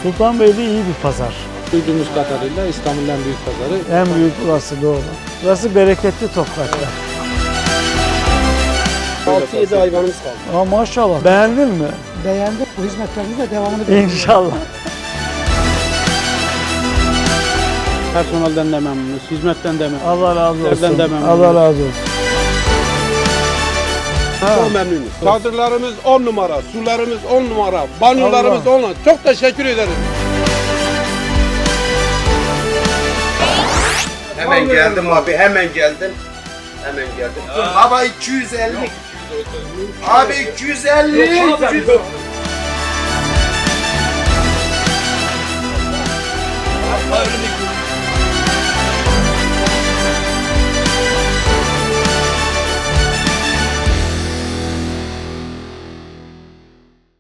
Sultanbeyli iyi bir pazar. Duyduğumuz kadarıyla İstanbul'un en büyük pazarı. En büyük burası, doğru. Burası bereketli topraklar. 6-7 hayvanımız kaldı. Aa, maşallah. Beğendin mi? Beğendik. Bu hizmetlerimiz de devamını bekliyoruz. İnşallah. Personelden de memnunuz, hizmetten de memnunuz. Allah razı Sizlerden olsun. de memnunum. Allah razı olsun. Çok memnunuz. Çadırlarımız 10 numara, sularımız 10 numara, banyolarımız 10 numara. Çok teşekkür ederim. Hemen geldim abi, hemen geldim. Hemen geldim. Baba 250. Abi 250. 250. Hayırlı